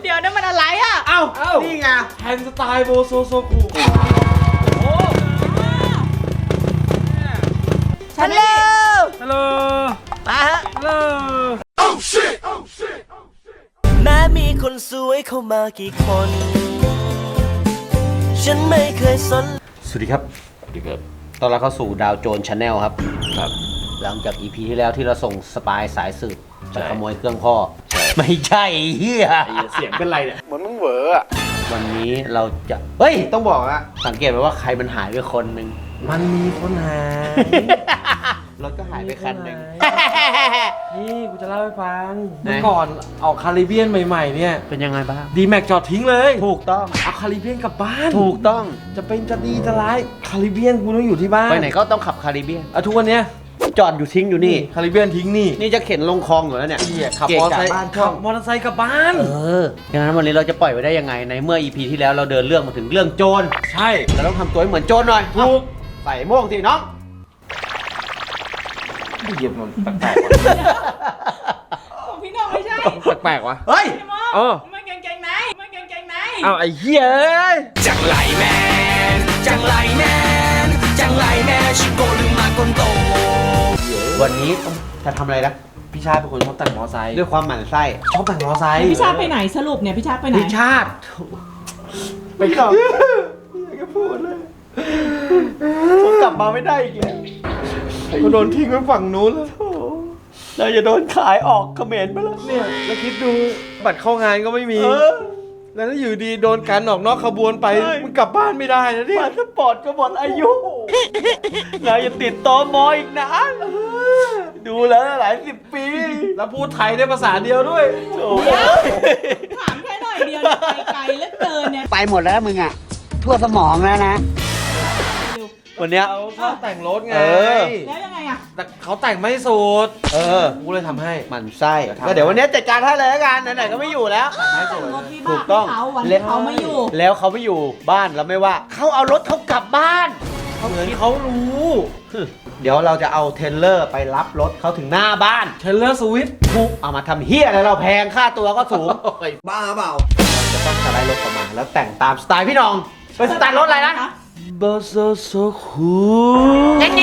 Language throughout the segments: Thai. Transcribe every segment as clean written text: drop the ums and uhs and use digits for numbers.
เดี๋ยวนั่นมันอะไรอ่ะเอ้านี่ไงแฮนสไตล์โบโซโซคุฮัลโหลฮัลโหลมาฮะฮัลโหลแม้มีคนสวยเข้ามากี่คน ฉันไม่เคยสนสวัสดีครับตอนเราเข้าสู่ดาวโจนชาแนลครับ หลังจาก EP ที่แล้วที่เราส่งสปายสายสืบไปขโมยเครื่องพ่อ ไม่ใช่เฮียเสียงเป็นไรเนี่ยเหมือนมึงเหวอวันนี้เราจะ เฮ้ย ต้องบอกนะสังเกตไหมว่าใครมันหายไปคนหนึ่งมันมีคนหายรถก็หายไปคันหนึ่งนี่กูจะเล่าให้ฟังไหนเมื่อก่อนออกคาริเบียนใหม่ๆเนี่ยเป็นยังไงบ้างดีแม็กจอดทิ้งเลยถูกต้องเอาคาริเบียนกลับบ้านถูกต้องจะเป็นจะดีจะร้ายคาริเบียนกูต้องอยู่ที่บ้านไปไหนก็ต้องขับคาริเบียนทุกวันเนี้ยจอดอยู่ทิ้งอยู่นี่คาริเบียนทิ้งนี่นี่จะเข็นลงคลองอยู่แล้วเนี่ยขับเกะมอเตอร์กะไซค์บ้านขัช่อบ งมอเตอร์ไซค์กลับบ้านดังนั้นวันนี้เราจะปล่อยไว้ได้ยังไงในเมื่อ EP ที่แล้วเราเดินเรื่องมาถึงเรื่องโจรใช่เราต้องทำตัวให้เหมือนโจรหน่อยถูกใส่โม่งสิน้องเหยียบมันแปลกของพี่น้องไม่ใช่ๆแปลกๆวะเฮ้ยพี่มอเออมันเก่งๆไหนมันเก่งๆไหนเอาไอ้เหี้ยเอ้ยจังไรแมนจังไรแมนจังไรแมนชิโกลืมมาคนโตวันนี้จะทำอะไรนะพี่ชาติเป็นคนชอบแต่งมอไซค์ด้วยความหมั่นไส้ชอบแต่งมอไซค์พี่ชาติไปไหนสรุปเนี่ยพี่ชาติไปไหนพี่ชาติไปกลับผมกลับมาไม่ได้อีกแล้วเขาโดนทิ้งไว้ฝั่งนู้นแล้วเราจะโดนขายออกเขมรไปแล้วเนี่ยแล้วคิดดูบัตรเข้างานก็ไม่มีเออแล้วถ้าอยู่ดีโดนการออกนอกขบวนไปใช่มึงกลับบ้านไม่ได้นะเนี่ยพาสปอร์ตก็หมดอายุเราจะติดตมอีกนานดูแล้วหลายสิบปีแล้วพูดไทยได้ภาษาเดียวด้วยโอ้เดี๋ยวถามแค่หน่อยเดียวเนี่ยไปไกลเหลือเกินเนี่ยไปหมดแล้วมึงอ่ะ ทั่วสมองแล้วนะวันเนี้ยเขาชอบแต่งรถไงเออแล้วยังไงอ่ะแต่เขาแต่งไม่สุดเออกูเลยทำให้หมันไส้ก็เดี๋ยววันนี้จัดการให้เลยละกันไหนๆก็ไม่อยู่แล้วรถวิถูบาก กต้องเขาวันที่เขาไม่อยู่แล้วเขาไม่อยู่บ้านเราไม่ว่า เขาเอารถเขากลับบ้านเหมือนเขารู้เดี๋ยวเราจะเอาเทรลเลอร์ไปรับรถเขาถึงหน้าบ้านเทเลอร์สวิฟต์ถูกเอามาทำเฮียอะไรเราแพงค่าตัวก็สูงบ้าเปล่าจะต้องสไลด์รถออกมาแล้วแต่งตามสไตล์พี่น้องเป็นสไตล์รถอะไรนะบอสโซคูบาง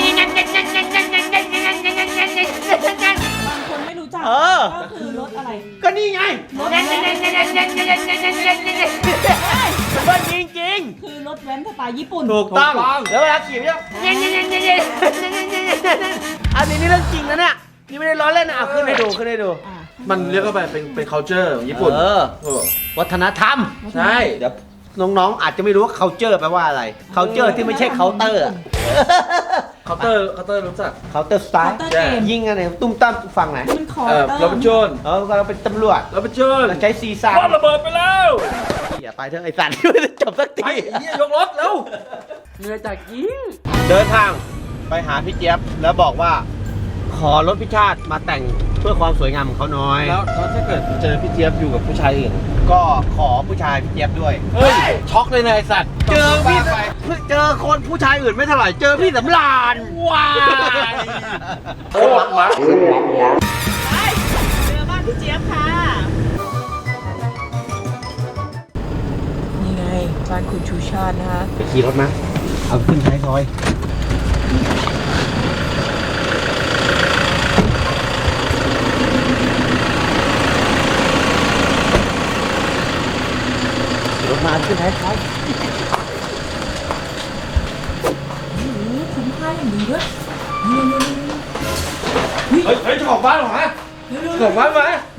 คนไม่รู้จักเออก็คือรถอะไรก็นี่ไงรถแว้นมันจริงจริงคือรถแว้นสไตล์ญี่ปุ่นๆถูกต้องแล้วเวลาขี่เนี่ยอันนี้นี่เรื่องจริงนะเนี่ยนี่ไม่ได้ล้อเล่นนะเอาขึ้นให้ดูขึ้นให้ดูอ่ะมันเรียกว่าเป็น culture ของญี่ปุ่นเออเออวัฒนธรรมใช่เดี๋ยวน้องๆอาจจะไม่รู้ว่า culture แปลว่าอะไร culture ที่ไม่ใช่ counter อะเคาน์เตอร์รู้จัก counter เคา style น์เตอร์เกมยิงอะไรตุ้มตั้มฝั่งไหนมันคอเราเป็นโจรเราเป็นตำรวจเราเป็นโจรเราใช้ซีซ่าพ่อระเบิดไปแล้วอย่าไปเถอะไอ้สัตว์ไม่ได้จบสักไปทีเฮียยกรถแล้วเหนื่อยจากยิงเดินทางไปหาพี่เจี๊ยบแล้วบอกว่า ขอรถพิชาติมาแต่งเพื่อความสวยงามของเขาน้อยแล้วถ้าเกิดเจอพี่เจี๊ยบอยู่กับผู้ชายอื่นก็ขอผู้ชายพี่เจี๊ยบด้วยเฮ้ย ช็อกเลยนายสัตว์เจอพี่เจอคนผู้ชายอื่นไม่เท่าไหร่เจอพี่สำราญว้ายไปเจอบ้านพี่เจี๊ยบค่ะ นี่ไงบ้านคุณชูชาตินะคะไปขี่รถมาเอาขึ้นท้ายซอยขี่รถมาขึ้นท้ายซอยคุ้มค่าอย่างดีด้วยเฮ้ยเจ้าของบ้านเหรอฮะเจ้าของบ้านมา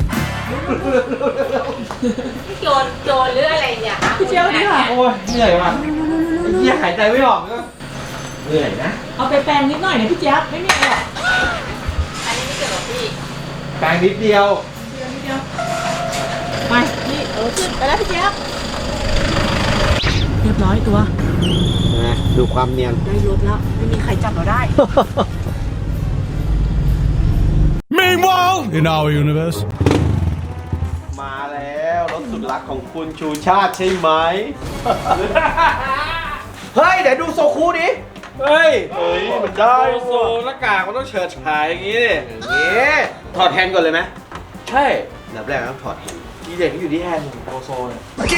โจรหรืออะไรเนี่ยคะพี่เจี๊ยบนี่ค่ะโอ้ยเหนื่อยว่ะไอ้เหี้ยหายใจไม่ออกก็เหนื่อยนะเอาไปแปลงนิดหน่อยนะพี่เจี๊ยบไม่มีอะไรหรอกอันนี้ไม่เกี่ยวกับพี่แปลงนิดเดียวนิดเดียวไปนี่ขึ้นไปแล้วพี่เจี๊ยบเรียบร้อยตัวนะดูความเนียนได้รถแล้วไม่มีใครจับเราได้ Meanwhile, in our universe. มาแล้วรถสุดรักของคุณชูชาติใช่ไหม เฮ้ย เดี๋ยวดูโซคูดิเฮ้ยมันได้โซหน้ากากมันต้องเฉิดฉายอย่างงี้ดิเอ๊ะถอดแฮนด์ก่อนเลยไหมใช่อันดับแรกต้องถอดแฮนด์อีทีเด็ดก็อยู่ที่แฮนด์โบโซเนี่ย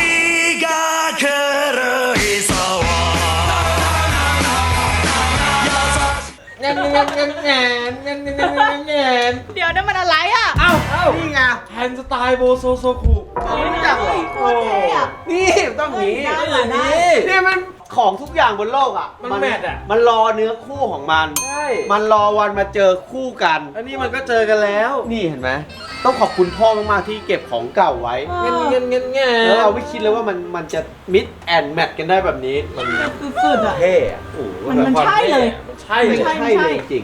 เดี๋ยวนั่นมันอะไรอ่ะเอ้านี่ไงแฮนด์สไตล์โบโซโซคุไม่รู้จักเหรอโคตรเท่อะนี่ต้องหนีได้เหรอได้นี่มันของทุกอย่างบนโลกอ่ะมันแมทอ่ะมันรอเนื้อคู่ของมันใช่มันรอวันมาเจอคู่กันอันนี้มันก็เจอกันแล้วนี่เห็นไหมต้องขอบคุณพ่อมากๆที่เก็บของเก่าไว้เงี้ยแล้วเราไม่คิดเลยว่ามันจะมิดแอนแมทกันได้แบบนี้ มันสุดๆอ่ะเท่อะโอ้โหมันใช่เลยมันใช่ไม่เลยใช่เลยจริง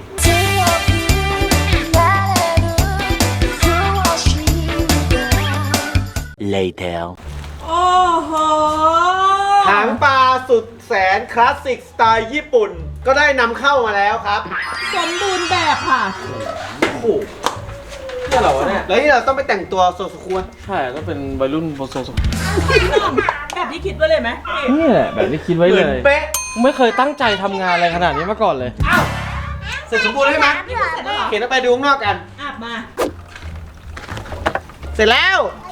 Later โอ้โหหางปลาสุดแสนคลาสสิกสไตล์ญี่ปุ่น ก็ได้นำเข้ามาแล้วครับสมบูรณ์แบบค่ะโอ้โหเนี่ยเหรอวะเนี่ยแล้วนี่เราต้องไปแต่งตัวโซซุคุะใช่ก็เป็นวัยรุ่นโบโซโซคุแบบที่คิดไว้เลยไหมนี่แหละแบบที่คิดไว้เหเลมือนยเป๊ะไม่เคยตั้งใจทำงานอะไรขนาดนี้มาก่อนเลยอ้าวเสร็จสมบูรณ์ใช่ไหมนี่เสร็จแล้วเหรอเขียนออกไปดูข้างนอกกันอาบมาเสร็จแล้ว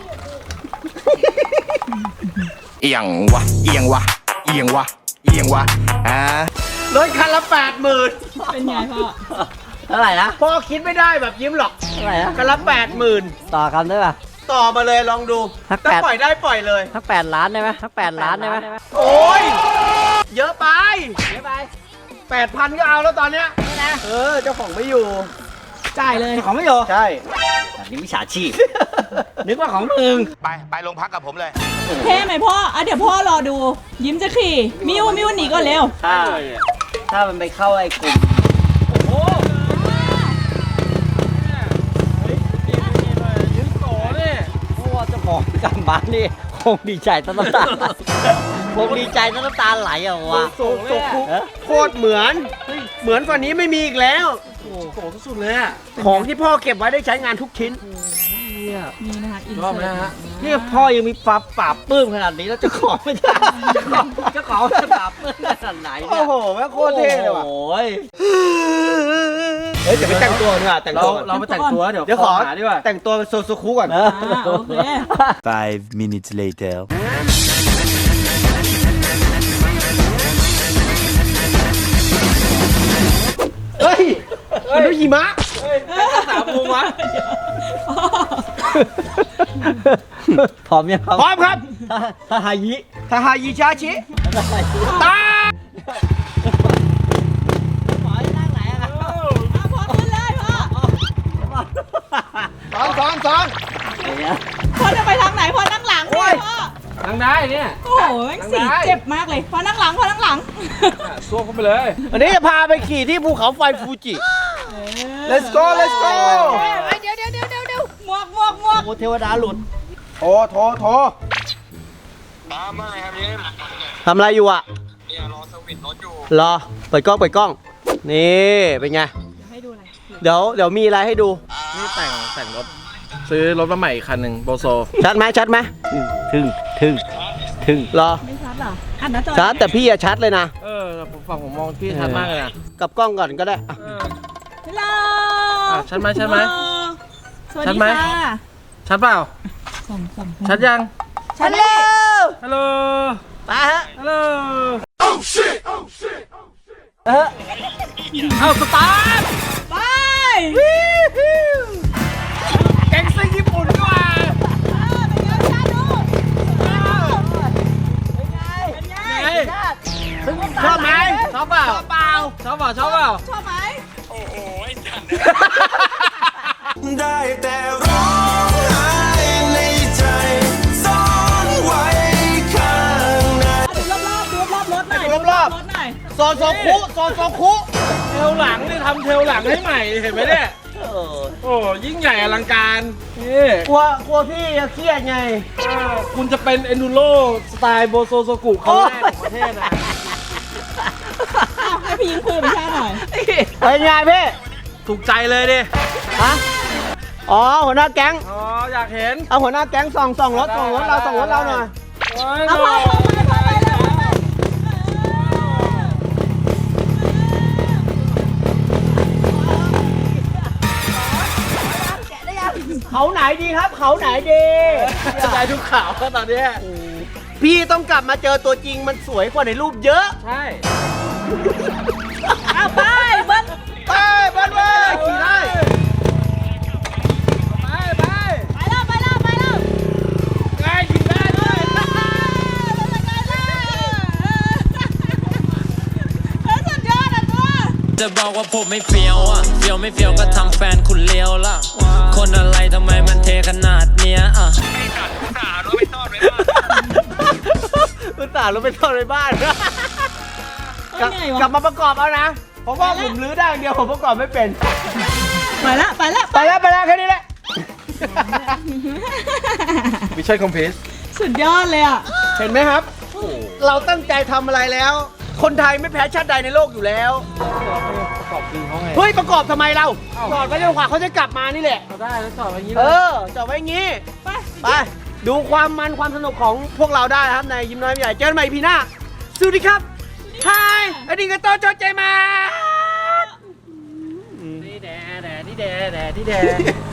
เอียงวะเอียงวะเอียงวะเอียงวะรถคันละ80,000 เป็นไงพ่อเท่าไหร่นะพ่อคิดไม่ได้แบบยิ้มหรอกเท่าไหร่นะคันละ80,000 ต่อกันได้ป่ะต่อมาเลยลองดูสักถ้า 8 ปล่อยได้ปล่อยเลยทั้ง8 ล้านได้ไหมทั้ง8 ล้านได้ไหมโอ้ย เยอะไป เยอะไป 8,000 ก็เอาแล้วตอนเนี้ยเจ้าของไม่อยู่จ่ายเลยของไม่อยู่ใช่อันนี้มิจฉาชีพ นึกว่าของมึงไปโรงพักกับผมเลยเท่ไหมพ่ออ่ะเดี๋ยวพ่อรอดู ยิ้มจะขี่ มิวหนีก่อนเร็วถ้ามันไปเข้าไอ้กลุ่มเพราะว่าเจ้าของกลับบ้านนี่คงดีใจตั้งน้ำตาคงดีใจตั้งน้ำตาไหลอ่ะวะโซคุโคตรเหมือน เหมือนฝั่งนี้ไม่มีอีกแล้วโอ้โหสุดๆเลยอ่ะของที่พ่อเก็บไว้ได้ใช้งานทุกชิ้นนี่นะคะอินชอบเสินะร์ฮะตนี่พ่อยังมีความปราบปลื้มขนาดนี้แล้วเจ้าของไม่ได้เจ้าของจะปราบปลื้มขนาดไหนโอ้เนี่ยโหแม่งโคตรเท่เลยว่ะโอ้ยเฮ้ยเดี๋ยวไปแต่งตัวดีกว่าแต่งเราตัวก่อนเราไปแต่งตัวเดี๋ยวเดี๋ยวขอหาดีกว่าแต่งตัวเป็นโซซุคุก่อนเออโอเค 5 minutes later. เฮ้ยมันดูหิมะสามมุมวะพร้อมยังครับพร้อมครับทาฮายิทาฮายิชาชิตาหมอจะนั่งไหนอะครับเอาพ่อขึ้นเลยพ่อสองพ่อจะไปทางไหนพ่อนั่งหลังสิพ่อนั่งได้เนี่ยโอ้โหแม่งสีเจ็บมากเลยพ่อนั่งหลังพ่อนั่งหลังซ่วมเข้าไปเลยวันนี้จะพาไปขี่ที่ภูเขาไฟฟูจิ let's go เดี๋ยวหมวกโอ้เทวดาหลุดโทรทำอะไรอยู่อ่ะเนี่ยรอสวิตช์รถอยู่รอเปิดกล้อง นี่เป็นไงให้ดูอะไรเดี๋ยวมีอะไรให้ดูนี่แต่งรถ ซื้อรถมาใหม่อีกคันหนึ่งโบโซชัดไหมถึงรอไม่ชัดเหรออันนั้นจอชัดแต่พี่อะชัดเลยนะผมฝั่งผมมองพี่ชัดมากเลยนะกับกล้องก่อนก็ได้อ่ะฮัลโหลชัดไหมชัดไหมสวัสชัดดีไหมค่ะชัดเปล่าส่งชัดยังชัดแล้วฮัลโหลไปฮะฮัลโหลเอาสตาร์ทไปแก๊งซิ่งญี่ปุ่นดีกว่าเป็นไงชาดูเป็นไงชอบไหมชอบเปล่าชอบเปล่าชอบไหมได้แต่ร้องไห้ในใจซ่อนไว้ข้างในดูรอบรถหน่อยดูรอบรถหน่อยโซโซคุเทลหลังนี่ทำเทลหลังให้ใหม่เห็นไหมเนี่ย โอ้ยิ่งใหญ่อลังการนี่กลัวพี่จะเครียดไงคุณจะเป็นเอนดูโรสไตล์โบโซโซกุครั้งแรกของประเทศนะอ้าวให้พี่ยิงคุยกับพี่ชาหน่อยเป็นไงพี่ถูกใจเลยดิฮะอ๋อหัวหน้าแก๊งอ๋ออยากเห็นเอาหัวหน้าแก๊งส่องรถเราหน่อยโอ้ยเอาไปเลยเขาไหนดีครับ เขาไหนดีได้ทุกข่าวแล้วตอนเนี้ยพี่ต้องกลับมาเจอตัวจริงมันสวยกว่าในรูปเยอะใช่เอาไปเบิ้ลไปบ้านเว้ยขี่ได้ไปไปแล้วไปแล้วไปแล้วไงขี่ได้ด้วยสุดยอดอ่ะตัวจะบอกว่าผมไม่เฟี้ยวอ่ะเฟี้ยวไม่เฟี้ยวก็ทำแฟนคุณเลี้ยวล่ะ คนอะไรทำไมมันเทขนาดเนี้ยอ่ะอุตส่าห์รู้ไปซ่อนไว้บ้านเหนื่อยวะกลับมาประกอบเอานะผมว่าผมรื้อได้อย่างเดียวผมประกอบไม่เป็นไปแล้วไปแล้วไปแล้วแค่นี้แหละมิชชั่นคอมพลีทสุดยอดเลยอ่ะเห็นไหมครับ เราตั้งใจทำอะไรแล้ว คนไทยไม่แพ้ชาติใดในโลกอยู่แล้วประกอบจริงเขาไงเฮ้ยประกอบทำไมเราจอดไว้จนกว่าเขาจะกลับมานี่แหละเอาได้แล้วจอดอย่างนี้เอเลยอจอดไว้อย่างงี้ ไป ดูความมันความสนุกของพวกเราได้นะครับในยิ้มน้อยยิ้มใหญ่เจอกันใหม่พีหน้าสวัสดีครับฮายอดีตโตโจเจมานี่แดนี่แด